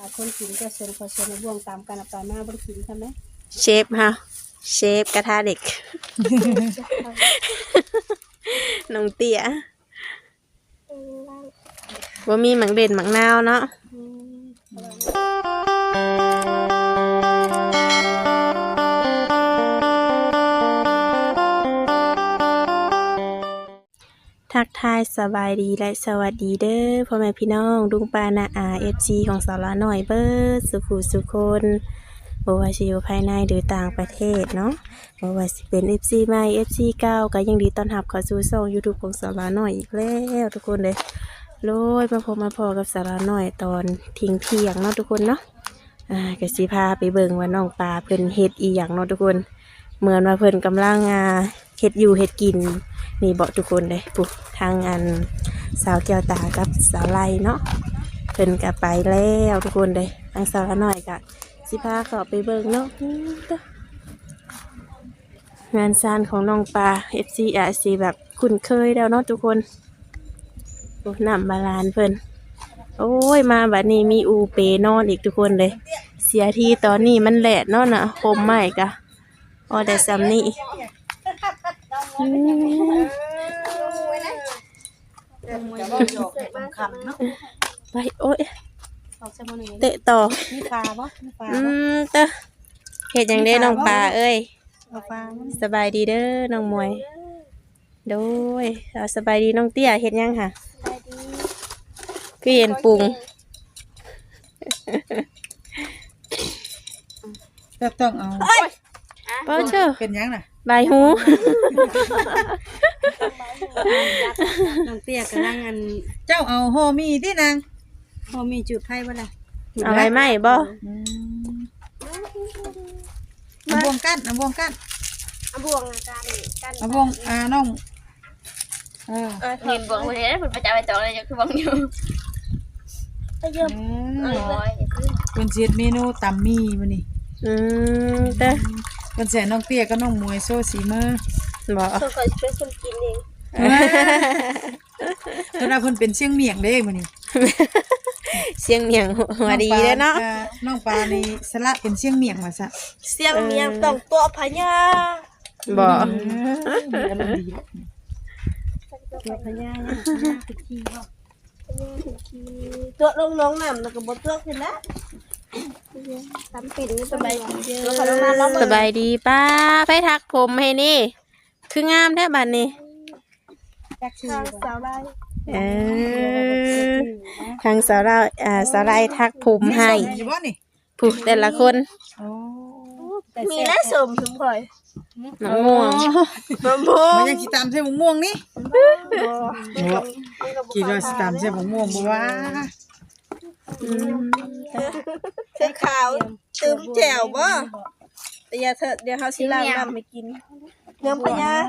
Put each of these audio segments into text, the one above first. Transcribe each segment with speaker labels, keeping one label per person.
Speaker 1: คนกินก็ส่วนผสมในบ่วงตามกันไปมาบ่ได้กินใช่ไหม
Speaker 2: เชฟฮะเชฟกระทะเด็ก น้องเตี้ยว่ามีหมังเด่นหมังนาวเนาะทักทายสบายดีและสวัสดีเด้อพ่อแม่พี่น้องดุงปานาอาFC ของสาวละหน่อยเบิร์ดสุขุสุคนบ่ว่าสิอยู่ภายในหรือต่างประเทศเนาะบ่ว่าสิเป็น FC ใหม่ FC เก่าก็ยังดีต้อนรับเข้าสู่ช่อง YouTube ของสาวละหน่อยอีกแล้วทุกคนเลยโลยมาพอกับสาวละหน่อยตอนเที่ยงเนาะทุกคนเนาะก็สิพาไปเบิ่งว่าน้องปลาเพิ่นเฮ็ดอีหยังเนาะทุกคนเหมือนว่าเพิ่นกำลังเฮ็ดอยู่เฮ็ดกินนี่บอกทุกคนเลยปุ๊บทางอันสาวแก้วตากับสาวไล่เนาะเพิ่นก็ไปแล้วทุกคนเลยทางสาวละหน่อยก็สิพาเข้าไปเบิ่งเนาะงานซานของน้องปลา FC อาจสิแบบคุ้นเคยแล้วเนาะทุกคนโอ้น้ำบาลานเพิ่นโอ้ยมาบัดนี้มีอูเปนอนอีกทุกคนเลยเสียทีตอนนี้มันแหลดเนาะน่ะคมใหม่กะอ๋อแต่ซ้ำนี่ไปโอ้ยเตะต่อ
Speaker 1: มีปลาบ่มีปลา
Speaker 2: เตะเฮ็ดหยังได้น้องปลาเอ้ย
Speaker 1: ปลา
Speaker 2: สบายดีเด้อน้องมวยโดยสบายดีน้องเตี้ยเฮ็ดหยังค่ะคือเห็นปรุง
Speaker 3: แบบต้องเอา
Speaker 2: เป้าเจ้า
Speaker 3: เป็นยังน่ะ
Speaker 2: ใบหู
Speaker 1: น้องเตี้ยกำลังอัน
Speaker 3: เจ้าเอาโฮมีที่นาง
Speaker 1: พอมีจุดไผ่บ่ล่ะ
Speaker 2: เอาไว้ไหมบ่
Speaker 3: เอาบวงกั้นเอาบวงกั้น
Speaker 1: เอาบ่วงกัน
Speaker 3: เอาบวงน้อง
Speaker 4: เห็นบอกว่าเนี่ยผมประจำไปต่อเลยจะคือบอกอยู่
Speaker 3: เป็นเสียดเมนูตำมีมื้อนี้
Speaker 2: เด้อ
Speaker 3: เป็นแสนน้องเตี้ยกับน้องมวยโซ่สีมือ
Speaker 2: บ่
Speaker 1: เขาเคยเป็นคนกินเอง
Speaker 3: เพิ่นว่าเพิ่นเป็นเชียงเมียงเด้มื้อนี้
Speaker 2: เสียงเมียงหัวดีเด้อเนาะ
Speaker 3: น้องปลานี่สละเป็นเชียงเมียงว่าซะ
Speaker 1: เสียงเมียงต้องตัวพญา
Speaker 2: บ่
Speaker 1: ตัวพญาคือขี้เนาะตัวลงน้องน้ำแล้วก็บ่ตัวขึ้นละทำเป็นสบายดีเด้อ
Speaker 2: สบายดีป้าไปทักผมให้นี่คืองามแท้บัดนี้
Speaker 1: จากทางสาวไร่
Speaker 2: ทางสาวเราสาวไร่ทักผมให้ผู้แต่ละคน
Speaker 1: มีและสมสมข่อย
Speaker 2: มะม่วง
Speaker 3: มันยังสิตามใส่มะม่วงนี่คิดว่าสิตามใส่มะม่วงบ่ว่า
Speaker 1: เสื้อขาวตื้มแจ่วบ่แต่อย่าเถอะเดี๋ยวเขาสิล้างน้ำให้กินเนื้อพญา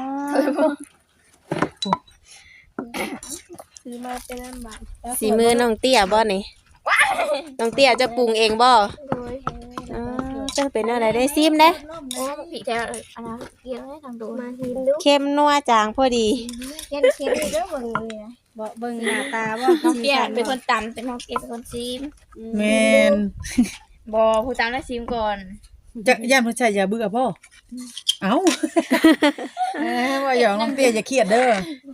Speaker 1: ซื้อมาเป็นน้ำบาน
Speaker 2: สีมือน้องเตี้ยบ่นี่น้องเตี้ยจะปรุงเองบ่จะเป็นอะไรได้ซิมเด้
Speaker 4: โอ้ผีแถวอะไรเกี่ยวให้ทางดู
Speaker 1: มาหินดู
Speaker 2: เข้มนัวจางพอดี
Speaker 1: เย็นเค็มเด้อเบิ่งเลยบ่เบิ่งหน้าตาบ่
Speaker 4: น้องเตี้ยเป็นคนตำเป็นน้องเตี้ยเป็นคนซีม
Speaker 3: แม่น
Speaker 4: บ่ผู้ตำได้ซีมก่อน
Speaker 3: จะย่านเพิ่นใช้อย่าเบื่อบ่เอ้าว่าหยอกน้องเตี้ยอย่าเครียดเด้อ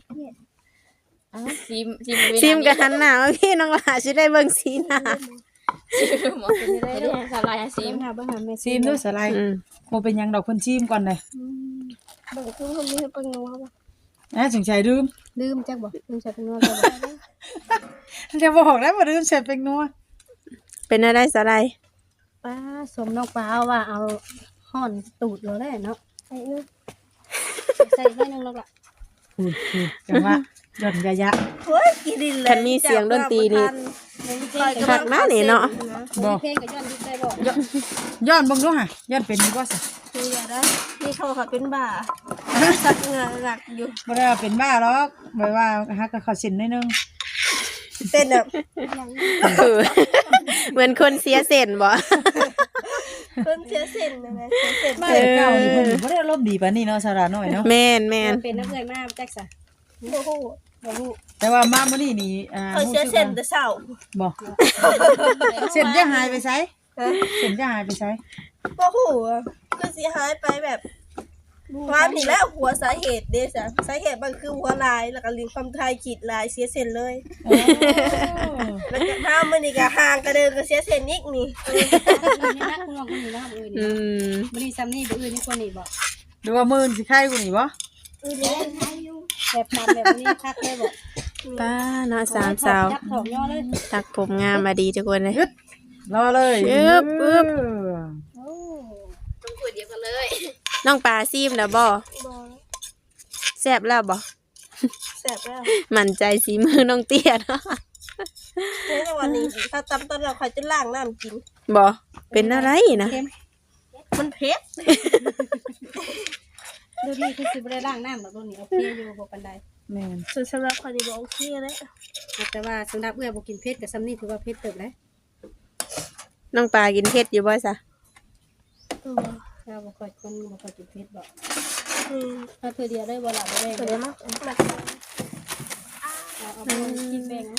Speaker 4: ซีม
Speaker 2: กับหันหน้าพี่น้องหลาสิได้เบิ่งสีหน้า
Speaker 4: หมอซีมได้ได้สลายซีม
Speaker 3: ซีมด้วยสลายบ่เป็นหยังดอกเพิ่นซีมก่อนเลย
Speaker 1: เบิ่งคือคนนี้เพิ่นนัวบ่
Speaker 3: สงสัยลืม
Speaker 1: จักบ่ลืมใส่เป็นนัว
Speaker 3: จะบอกแล้วว่าลืมใส่เป็นนัว
Speaker 2: เป็นอะไรสลาย
Speaker 1: ป้าสมน้องปลาว่าเอาห่อนตูดแล้วแหละเนาะใส่ให้นึงแล้วล่ะ
Speaker 3: จังว่าย่อนยะ
Speaker 1: โอ้ยกินดินเลย
Speaker 2: คันมีเสียงดนตรีนี่คักมานี่เนาะ
Speaker 1: บ่เพลงก็ย้อนดิได้บ่
Speaker 3: ย้อนเบิ่งดูห่ะย้อนเป็นบ่ซะ
Speaker 1: คืออย่าได้นี่เขาค่ะเป็นบ้าสักเหงื่อหนักอยู่
Speaker 3: บ่ได้ว่าเป็นบ้าหรอกแบบว่าฮักก็เข้าสินนิดนึง
Speaker 1: เต้นแบบ
Speaker 2: เหมือนคนเสียเส้นบ่
Speaker 1: คนเสียเส้นนะเสียเส้น
Speaker 3: มาเก่านี่เพิ่นบ่ได้อารมณ์ดีปานนี้เนาะสาระน้อยเนาะ
Speaker 2: แม่น
Speaker 1: เป็นนักเรียนมาแจ็คซะโอ้โห
Speaker 5: บ่ฮู้
Speaker 3: แต่ว่ามามื้อนี้นี่
Speaker 1: เขาเสียเส้นแต่เช้า
Speaker 3: บ่เส้นจะหายไปไสเส้นจะหายไปไส
Speaker 1: บ่ฮู้อะคือสิหายไปแบบความนี่แหละหัวสาเหตุเด้จ้ะสาเหตุมันคือหัวลายแล้วก็ลิ้นความทายขีดลายเสียเส้นเลย
Speaker 3: โอ้
Speaker 1: แล้วก็ถ้ามื้อนี้ก็ห่างกระเดินก็เสียเส้นอีกนี่
Speaker 5: นี่นะคุณน้องคนนี้นะมื้อ
Speaker 2: อื
Speaker 5: นี้
Speaker 2: ม
Speaker 5: มื้อนี้ซ้ำนี่บ่อื่นนี่คนนี้บ่
Speaker 3: หรือว่ามื้อสิไข้กูนี่บ่
Speaker 5: แบบตามแบบนี้คักเลยบ่
Speaker 2: ป้าเนาะสามสาว
Speaker 5: จับถอกย่อเลย
Speaker 2: ตักผมงามมาดีทุกคนเลย
Speaker 3: รอเลย
Speaker 2: ปึ๊บปึ๊บ
Speaker 5: โอ้
Speaker 4: ต้องคุยเดียวกันเลย
Speaker 2: น้องปลาซีมแล้วบ่
Speaker 1: บ่
Speaker 2: แซ่บแล้วบ่
Speaker 1: แซ่บแล้ว
Speaker 2: มั่นใจสีมือน้องเตี้ยเนาะ
Speaker 1: ในวันนี้ถ้าตำตอนเราค่อยจะล้างน้ำกิน
Speaker 2: บ่เป็นอะไรนะ
Speaker 5: เค็ม
Speaker 1: มันเผ็ด
Speaker 5: ดูนี่คือสิบ่ได้ล้างน้ำดอกตัวนี้โอเคอยู่บ่ปานใด
Speaker 3: แม่น
Speaker 1: ส่วนสำหรับคนที่บ่โอเคแล้ว
Speaker 5: แต่ว่าสำหรับเอื้อบ่กินเผ็ดกับซ้ำนี่ถือว่าเผ็ดเติบแล้ว
Speaker 2: น้องปลากินเผ็ดอยู่บ่ซะ
Speaker 5: เราบ่ค่อยคนบ่ค่อยกินเผ็ดบ่
Speaker 1: อืม
Speaker 5: ถ้าเธอเดียวได้บ่ล่ะบ่ได้
Speaker 1: เดี๋ยวมา
Speaker 5: เอาไปกินแบ่ง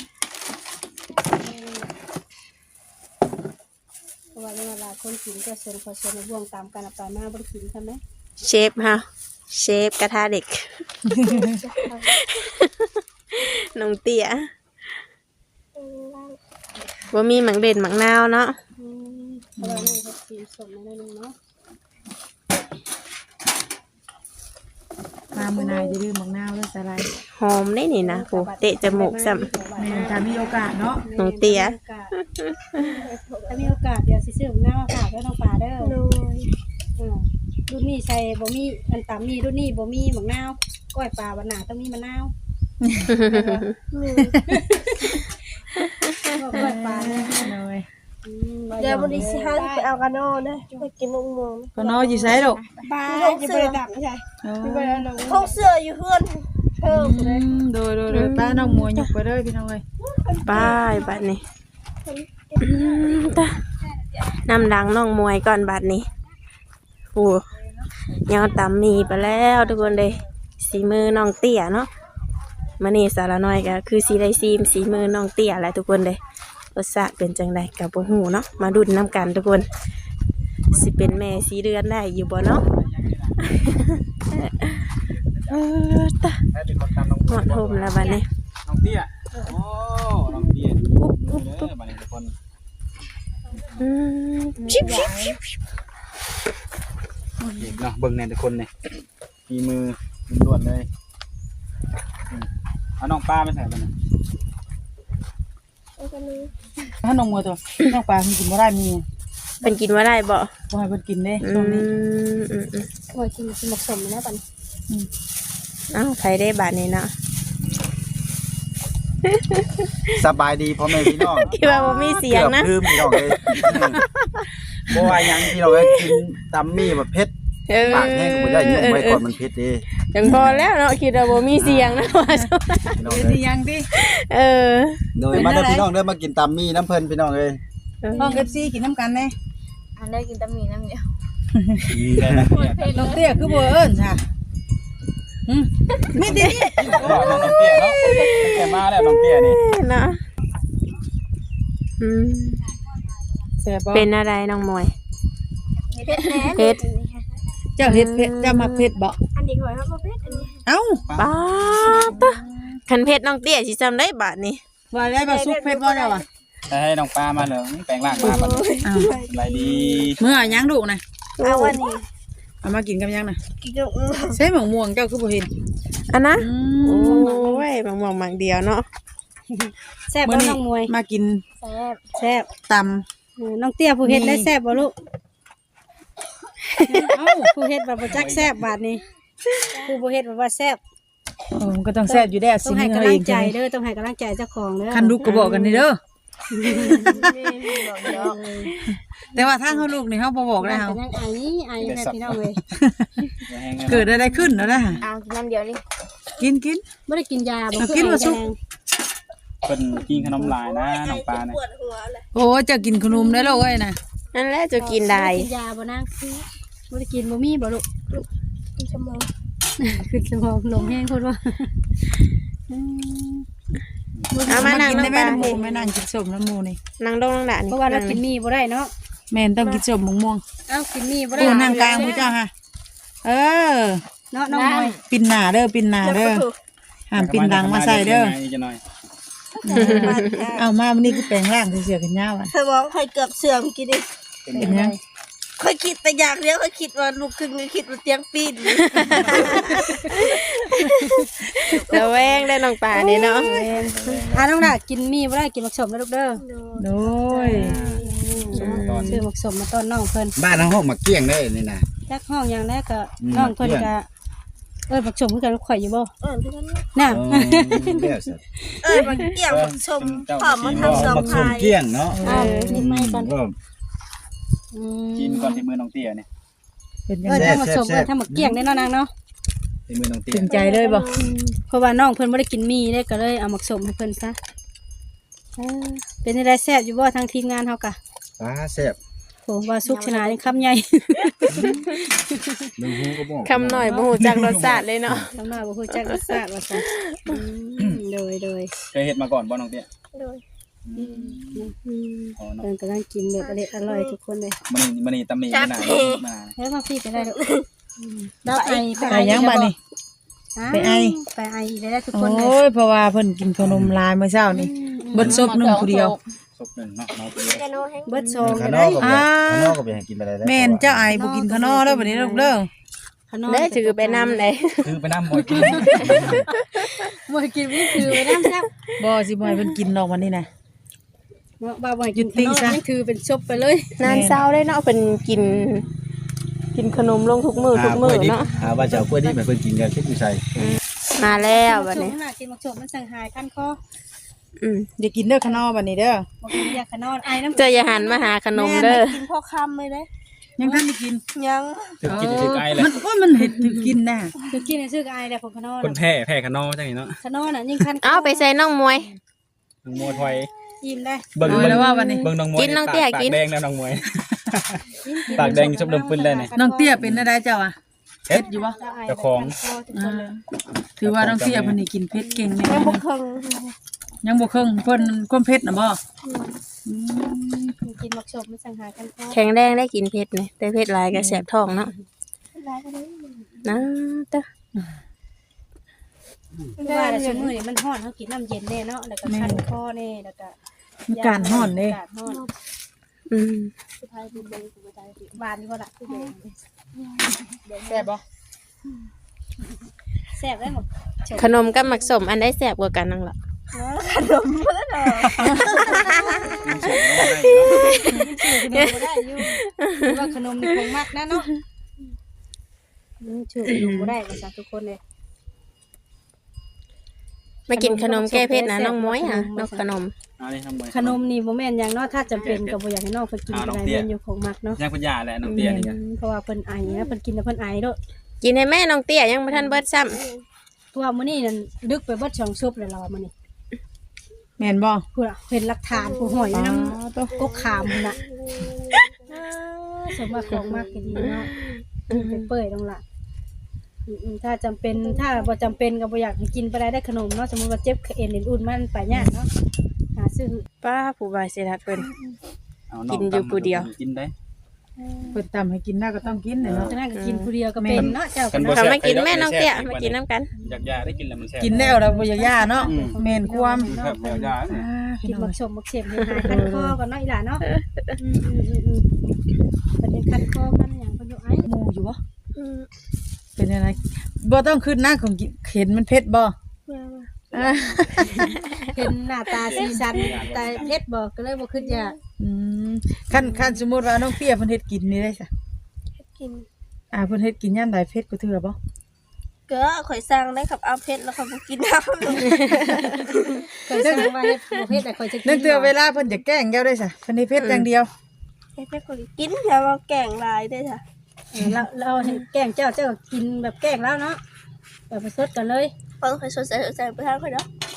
Speaker 5: เพราะว่าเวลาคนกินก็สนขอสนบ่วงตามกันไปมาบ่ได้กินใช่ไหม
Speaker 2: เชฟฮะเชฟกระทะเด็ก น้องเตี้ยว่ามีหมังเด่นหมังนาวเนาะ
Speaker 5: เพราะว่านี่เขากินสดนิดนึงเนาะ
Speaker 3: มามื้อหน้าจะลืมบักนาวเด้อสลาย
Speaker 2: หอมได้นี่นะโหเตะจมูกซ้
Speaker 3: แม่นถ้ามีโอกาสเนาะ
Speaker 2: น้องเตี้ย
Speaker 5: ถ้ามีโอกาสเดี๋ยวสิซื้อหน้ามาฝากด้วยน้องปลาเด้อ
Speaker 1: โดย
Speaker 5: รุ่นนี้ใส่บ่มีอันตามมีรุ่นนี้บ่มีหมักนาวก้อยปลาวันหนาต้องมีมะนาวก้อยปลาเนี่ย
Speaker 3: เลย
Speaker 1: เดี๋ยววันนี้สิหาไปเอากระโน่นะไปกินมะม่วง
Speaker 3: ก็นออยู่ไสลูก
Speaker 5: ปลาจะไปดักใช่
Speaker 1: ห้องเสื้ออยู่เพื่อนเพิ่มเลย
Speaker 3: โดยป้าน้องมัวยกไปเด้อพี่น้องเอ้ย
Speaker 2: ป้ายบัดนี้ตะนำดังน้องมวยก่อนบัดนี้โอ้ยังตำมีไปแล้วทุกคนเลยสีมือน้องเตี้ยเนาะมานี่สารน้อยก็คือสีได้ซีมสีมือน้องเตี้ยแหละทุกคนเลยรสชาติเป็นจังไดกับบ่ฮู้เนาะมาดุนน้ำกันทุกคนสิเป็นแม่สีเดือนได้อยู่บ่เนาะตะหอดห่มแล้วบัดนี้
Speaker 6: น้องเตี้ยโอ้น้องเตี้ยมาในทุกคน
Speaker 2: ชิบชิบชิบ
Speaker 6: เด็กเนาะเบิ่งในทุกคนเนี่ยมีมือล้วนเลยเอาน้องป้าไม่ใส่มัน
Speaker 3: ถ้าน้องมัวตัวน้องปลามันกินบ่ได้มี
Speaker 2: เป็นกินว่าได้บ่
Speaker 3: บ่ให้เพิ่นกินเด้
Speaker 2: อื
Speaker 3: ช่วงนี้
Speaker 2: ม
Speaker 5: ก้อยกินสมสมนะปัน
Speaker 2: อ้าวใครได้บาทนี้เนาะ
Speaker 6: สบายดีพ่อแม่พี่น้อง
Speaker 2: คิดว่าบ่มีเสียงนะ
Speaker 6: ลืมพี่น้องเลยบ่ว่ายังพี่น้องกินตำมี่แบบเผ็ดปากแห้งก็บ่ได้ยุ่งไว้ก่อนมันเผ็ดเด้
Speaker 2: จังพอแล้วเนาะคิดว่าบ่มีเสียงนะว่า
Speaker 6: พี่น้อง
Speaker 3: เป็น
Speaker 6: เลย
Speaker 3: อีหยังติ
Speaker 2: เออ
Speaker 6: โดยมาเด้อพี่น้องเด้อมากินตำมี่น้ำเพิ่นพี่น้องเอ้ย
Speaker 3: น้อง FC กินน้ำกันแน่
Speaker 4: อันได้กินตะมีน้ำเดียว
Speaker 6: ได้นะเนี่ย
Speaker 3: น้องเตี้ยคือบ่เอิ้นค่ะมีติ
Speaker 6: น้องเตี้ยเนาะแกมาแล้วน้องเตี้ยนี่
Speaker 2: เนาะอืม
Speaker 3: แซ่บบ่
Speaker 2: เป็นอะไรน้องมวย
Speaker 1: เผ็ดแน่
Speaker 2: เผ็ด
Speaker 3: เจ้าเฮ็ดเผ็ดเจ้ามักเผ็ดบ่
Speaker 1: อันนี้ก่อนครับบ่เผ็ดอันนี้
Speaker 3: เอ้า
Speaker 2: ป้าตะคันเผ็ดน้องเตี้ยสิจำได้บาทนี้
Speaker 3: ว่าได้บ่สุกเผ็ดบ่เจ้าอ่ะ
Speaker 6: ให้น้องป้ามาเหลืองแปลงร่างมาบัดนี้
Speaker 3: อ้าว
Speaker 6: สบายดี
Speaker 3: มื้อหยังลูกน่ะ
Speaker 1: เอาวันนี้
Speaker 3: เอามากินกับหยังน่ะ
Speaker 1: กินกับ
Speaker 3: ใส่หมม่วงเจ้าคือบ่เห็น
Speaker 2: อันนะ
Speaker 3: อื
Speaker 2: โอ้
Speaker 3: ม
Speaker 2: ยบางหมังเดียวเนาะ
Speaker 5: แซ่บบ่น้องมวย
Speaker 3: มากิน
Speaker 5: แซ่บ
Speaker 3: ตำ
Speaker 5: น้องเตี้ยผู้เฮ็ดได้แซ่บบ่ลูก
Speaker 3: เอ้า
Speaker 5: ผู้เฮ็ดแบบบ่จักแซ่บบาดนี้ผู้บ่เฮ็ดแบบว่าแซ่บ
Speaker 3: มันก็ต้องแซ่บอยู่ได้
Speaker 5: ต้
Speaker 3: สิ
Speaker 5: องให้
Speaker 3: มื้
Speaker 5: กำ
Speaker 3: อ
Speaker 5: ลั
Speaker 3: เอง ง
Speaker 5: ใจเด้อต้องให้กำลังใจเจ้าของเด้อ
Speaker 3: คันลูกก็บอกกันนี่เด้อแต่ว่าทางเฮาลูกนี่เฮาบ่บอกได้เฮา
Speaker 5: ยังไอ้แม่พี่น้องเว้ย
Speaker 3: เกิดอะไรขึ้นแล้วนะ
Speaker 4: เอากินน้ำเดียวนี่
Speaker 3: กินกิน
Speaker 5: บ่ได้กินยาบ่
Speaker 3: เอากินมาสุก
Speaker 6: เพิ่นกินขนมลายนะน้องป้าเนี่ย
Speaker 1: ปวดหัวเลย
Speaker 3: โอ้จะกินขนมได้แล้วเอ้ยนะ
Speaker 2: นั่นแหละจะกินได้
Speaker 5: กินยาบ่นางคือบ่ได้กินบ่มีบ่ลูก
Speaker 1: กินชั่วโมง
Speaker 5: คือสมองลมแห้งโคตรว่า
Speaker 2: เอามานั่ง
Speaker 3: กินได้แม่
Speaker 2: น้ำ
Speaker 3: น้ำ
Speaker 2: ป
Speaker 3: มู
Speaker 2: ลา
Speaker 3: แม่นั่งกินส้มน้ำมูนี่
Speaker 2: นั่งลงนั่งด่านี่
Speaker 5: เพราะว่าเรากินมีบ่ได้เนาะ
Speaker 3: แม่นต้องกินส้มม่วง
Speaker 5: เอ้ากินมีบ่
Speaker 3: ๆ
Speaker 5: ได้
Speaker 3: โอ้นั่งกลางผู้เจ้าฮะเออ
Speaker 5: เนาะน้องน้อย
Speaker 3: ปินหน้าเด้อปินหน้าเด้อห้ามปินดังมาใส่เด้อ
Speaker 6: จะหน่อย
Speaker 3: เอามาวันนี้คือแปลงร่างเสือกันยาวอ่ะ
Speaker 1: เธอบอกให้เกือบเสื่อมกินดิ
Speaker 3: เป็นยัง
Speaker 1: ค่อยคิดแต่อย่างเดียวค่อยคิดว่าลูกครึ่งก็คิดว่าเตียงปีน
Speaker 2: ระแวงได้น้องปลานี่เนาะ
Speaker 5: น้องดากินมีบ่ได้กินหมักสมนะลูกเด้อ
Speaker 3: โดย
Speaker 5: ซื้อหมักสมมาต้อนน้องเพิ่น
Speaker 6: บ้านทั้งห้องมาเกี้ยงได้นี่นะ
Speaker 5: จักห้องอย่างแรกก็น้องเพิ่นก็หมักสมคือกันข่อยอยู่บ่
Speaker 1: พี่นั่น
Speaker 5: น่ะ
Speaker 1: มันเกี่ยวกับชมหอมมันทำสอง
Speaker 6: มักสม
Speaker 1: พาย
Speaker 6: เกี้ยงเนาะ
Speaker 5: กินไม่ก่อน
Speaker 6: กินก่อนที่มือน้องเตี้ยเนี่ย
Speaker 3: เป็นยัง
Speaker 5: ถ้า
Speaker 3: ไง
Speaker 5: หมักสมถ้าหมักเกี้ยงได้เนาะนางเนาะ
Speaker 6: ที่มือน้องเตี้ย
Speaker 3: ถึงใจเลยบ่
Speaker 5: เพราะว่าน้องเพิ่นบ่ได้กินมีได้ก็เลยเอาหมักสมให้เพิ่นซะเป็นได้แซ่บอยู่บ่ทางทีมงานเฮากะ
Speaker 6: ป้าแซ่บ
Speaker 5: โหว่าสุกชนะนี่คำใหญ่
Speaker 6: เบิ่งหูก็บอก
Speaker 2: คำหน่อยบ่ฮู้จักรสชาติเลยเนาะ
Speaker 5: น้องน้อยบ่ฮู้จักรสชาติว่าซั่นโดย
Speaker 6: เคยเฮ็ดมาก่อนบ่น้องเตี้ย อ๋อเนาะ
Speaker 5: เพิ่นกำลังกินแบบอร่อยทุกคนเลย
Speaker 6: มันนี่ตำหนิขนาดมา
Speaker 5: แล้วมาพี่ไปได้ลูกดาวไอ
Speaker 3: ไปยังบัดนี่ ไปไอ
Speaker 5: ไปไอได้ทุก
Speaker 3: โอ
Speaker 5: คนเลย้
Speaker 3: ยเพราะว่าเพิ่นกินขนมลายเมื่อเช้านี่เบิดซบหนึงผู้เดียว
Speaker 6: ศพหนึ่งเนาะน้องเตี้ย
Speaker 5: เบิดโซง
Speaker 6: ข้างน
Speaker 5: ได้
Speaker 6: อกก็ข้างนอกก็ไปหากินไปได้
Speaker 3: แม่นเจ้าไอบ่กินข้าวนอกเด้อบัดนี้ลูกเด้อ
Speaker 2: ได้ถือไปนำได้
Speaker 6: คือไปน้ำมวยกิน
Speaker 5: บ่กินนี่คือไปน้ำซับ
Speaker 3: บ่สิบ่ให้เพิ่นกินดอกวันนี้นะ
Speaker 5: เนาะบ่กินซะนี่คือเป็นซบไปเลย
Speaker 2: นานเช้าได้เนาะเป็นกินขนมลงทุกมื้อเนาะ
Speaker 6: ว่าจะเอากล้วยดิบให้เพิ่นกินกันคิดอยู่ใส่
Speaker 2: มาแล้วบัดนี้
Speaker 5: กินมักโฉมมันสั่งหายคันคอ
Speaker 3: อย่ากินเด้อข้างนอกบัดนี้เด้อ
Speaker 5: บ่กินยาขนอนไอน้ำ
Speaker 2: เจะอย่าหันมาหาขนมเด้อ
Speaker 1: กินพ่อคำเลยเลย
Speaker 3: ยังทันได้กิน
Speaker 1: ยัง
Speaker 6: ถึงกินถึงไกลเลย
Speaker 3: มันว่ามันเห็ดถึงกินน่ะ
Speaker 5: คือกินซื้อไอแหละผมขนอน
Speaker 6: คนแพ้ขนอจังนี่เนาะ
Speaker 5: ขนอนน่ะยิ่งคัน
Speaker 2: เอาไปใส่น้องมวย
Speaker 6: น้องมวยถอย
Speaker 5: ยิ้มได้
Speaker 6: เบิ่ง
Speaker 3: เอาแล้วว่าวันนี้
Speaker 6: เบิ่งน้องมวย
Speaker 2: กินน้องเตี้ยกิน
Speaker 6: ปากแดงแล้วน้องมวย ปากแดงชอบดมปืนได้นี่
Speaker 3: น้องเตี้ยเป็นอะไรเจ้าอ่ะ
Speaker 6: เฮ็ด
Speaker 3: อยู่บ่
Speaker 6: เจ้าของ
Speaker 3: ถือว่าน้องเตี้ยเพิ่นนี่กินเผ็ดเก่งแน่
Speaker 1: ยังบุกเคง
Speaker 3: ยังบ่เครื่องเพิ่นความเผ็ดน่ะบ่
Speaker 5: กินมักโฉมมันสั่งหายคันคอ
Speaker 2: แข็งแรงได้กินเผ็ดนี่แต่เผ็ดหลายก็แสบท้องเนาะนะเด้อ
Speaker 5: ว่าแต่ชั่วโมงนี้มันร้อนเขากินน้ำเย็นแน่เนาะแล้วก็คันคอแน่แล้วก็
Speaker 3: มีการฮ้อนเด้
Speaker 5: อากาศร้อน
Speaker 2: อืม
Speaker 5: สุดท้ายดูเบิ่งสุดท้ายหวานนี่บ่ล่ะคือแดง
Speaker 3: แซ่บบ่
Speaker 5: แซ่บได้หมด
Speaker 2: ขนมกับหมักสมอันได้แสบกว่ากันนั่งล่ะ
Speaker 5: ขนมบ่ได้อยู่ว่าขนมนี่คงมากนะเนาะชื่อขนมบ่ได้ว่าซั่นทุกคนเลย
Speaker 2: มากินขนมแก้เผ็ดนะน้องมวยค่ะนกขนม
Speaker 6: เอานี่น้องมวย
Speaker 5: ขนมนี่บ่แม่นหยังเนาะถ้าจำเป็นก็บ่อยากให้น้องเพิ่นกินก็ได้แม่นอยู่ของมักเนาะ
Speaker 6: ยังปัญญาแหละน้องเตี้ยนี่ก็
Speaker 5: เพราะว่าเพิ่นไอนะเพิ่นกินแล้วเพิ่นไอเด้อ
Speaker 2: กินให้แม่น้องเตี้ยยังบ่ทันเบิดซ้ำ
Speaker 5: ตัวมื้อนี้นั่นดึกไปเบิด2ซุปเลยเรามื้อนี้
Speaker 3: แม่นบ่
Speaker 5: พูดอ่ะเห็นหลักฐานผู้หอยอยู่นำกกขามพุ่นน่ะสมว่าของมากก็ดีเนาะไปเปื่อยลงล่ะถ้าจำเป็นถ้าบ่จำเป็นก็บ่อยากให้กินไปได้ขนมเนาะสมมุติว่าเจ็บเอ็นอุ่นมันไปยากเนาะหาซื้อ
Speaker 2: ป้าผู้บายเสียทัดเพิ่น
Speaker 6: เอาน้อง
Speaker 2: กินอยู่ผู้เดียว
Speaker 6: กินได้
Speaker 3: เพิ่นตำให้กินได้ก็ต้องกินเนาะ
Speaker 5: ฉะนั้นก็กินผู้เดียวก็เป็นเนาะเจ้าก็
Speaker 6: บ่
Speaker 5: เนาะ
Speaker 2: เขามากินแม่น้องเตี้ยมากินน้ำกัน
Speaker 6: อยากยาได้กินแล้วมันแซ่บ
Speaker 3: กินแล้วแล้วบ่อยากย่าเนาะแม่นความ
Speaker 6: ครับอยากยาเนี่ย
Speaker 5: กินบักสมบักเข็มให้หายคันคอก่อนเนาะอีหล่าเนาะประเด็นคันคอกันหยังเพิ่นอยู่ไอ้
Speaker 3: หมู่อยู่บ่เป็นอะไรบ่ต้องขึ้นหน้าของเห็นมันเผ็ดบ่
Speaker 5: เห็นหน้าตาสีสันแต่เฮ็ดบ่ก็เลยบ่คิดอยาก
Speaker 3: คันสมมุติว่าน้องเตี้ยเพิ่นเฮ็ดกินนี่ได้ซะ
Speaker 1: กิน
Speaker 3: เพิ่นเฮ็ดกินยามใดเผ็ดก็เทื่อบ่
Speaker 1: เก็ข่อยสร้างได้ครับเอาเพชรแล้วเขากินน้ำ
Speaker 5: เคยสั่งว่าเฮ็ดบ่เฮ็ดแต่ค่อยจะกิน
Speaker 3: นึกเทื่อเวลาเพิ่นจะแกล้งแก้วได้ซะเพิ่นเฮ็ดเผ็ดอย่างเดียว
Speaker 1: เพชรคนกินอย่ามาแกงลายได้ค่ะ
Speaker 5: เราเห็นแกล้งเจ้าก็กินแบบแกล้งแล้วเนาะแบบประชดกันเลย
Speaker 1: เพราะข่อยสดใสไปทางข่อยเนาะ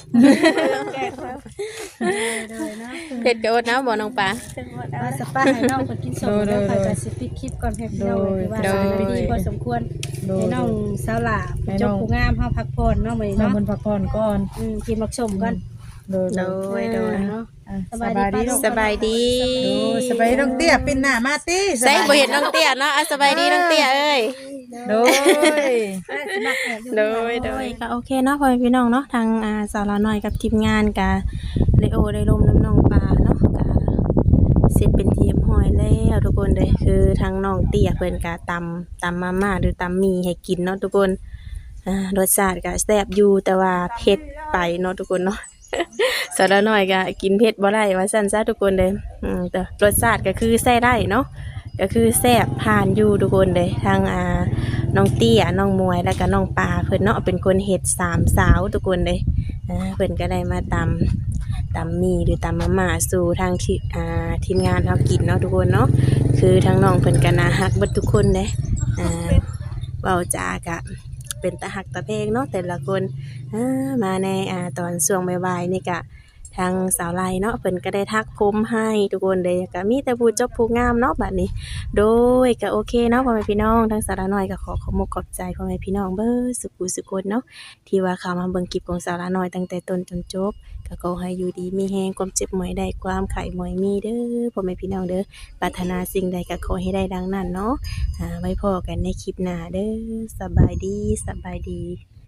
Speaker 1: แกงแล้ว
Speaker 5: เลยเนาะ
Speaker 2: เผ็ดก็อดนะบ่น้องปลา
Speaker 5: ว่าสปาให้น้องเพิ่นกินสมแล้วค่อยก็สิปิดคลิปก่อนให้พี่น้องเลยว่าสบายดีพอสมควรให้น้องสาวหลาเป็นเจ้าผู้งามเฮาพักผ่อนเนาะมื้อนี้
Speaker 3: น้อง
Speaker 5: เนาะ
Speaker 3: เพิ่นพักผ่อนก่อน
Speaker 5: กินมักสมก่อน
Speaker 3: โดย
Speaker 2: โดยโดย
Speaker 5: เนาะ
Speaker 3: อ่ะ
Speaker 5: สบายดี
Speaker 2: สบายดี
Speaker 3: โดยสบายดีน้องเตี้ยปิ่นหน้ามาติ
Speaker 2: ใส่บ่เห็นน้องเตี้ยเนาะอ่ะสบายดีน้องเตี้ยเอ้ย
Speaker 3: โดย
Speaker 2: โดยก็โอเคเนาะพ่อแม่พี่น้องเนาะทางสาวละน้อยกับทีมงานกะเลโอได้ลมน้ำน้องปลาเนาะกะเสร็จเป็นทีมหอยแล้วทุกคนเลยคือทางน้องเตี้ยเพิ่นกะตำมาม่าหรือตำหมี่ให้กินเนาะทุกคนรสชาติก็แซ่บอยู่แต่ว่าเผ็ดไปเนาะทุกคนเนาะ สาวละน้อยก็กินเผ็ดบ่ได้ว่าซั่นซะทุกคนเลยแต่รสชาติก็คือใส่ได้เนาะก็คือแซ่บผ่านอยู่ทุกคนเลยทางน้องเตี้ยน้องมวยแล้วก็น้องปลาเพิ่นเนาะเป็นคนเฮ็ดสามสาวทุกคนเลยเพิ่นก็ได้มาตำมีหรือตำมาม่าสู่ทางที่ทีมงานเฮากินเนาะทุกคนเนาะคือทางน้องเพิ่นก็น่าฮักเบิดทุกคนเด้เว้าจากะเป็นตาฮักตาเพลงเนาะแต่ละคนมาในตอนช่วงบ่ายๆนี่ก็ทางสาวไลเนาะเพิ่นก็ได้ทักผมให้ทุกคนเลยก็มีแต่ผู้จบผู้งามเนาะบัดนี้โดยก็โอเคเนาะพ่อแม่พี่น้องทางสาวละน้อยก็ขอขอบคุณใจพ่อแม่พี่น้องเบิดสุขุสุคนเนาะที่ว่าเข้ามาเบิ่งคลิปของสาวละน้อยตั้งแต่ต้นจนจบก็ขอให้อยู่ดีมีแฮงความเจ็บบ่ให้ได้ความไข้บ่ให้มีเด้อพ่อแม่พี่น้องเด้อปรารถนาสิ่งใดก็ขอให้ได้ดังนั้นเนาะไว้พอกันในคลิปหน้าเด้อสบายดี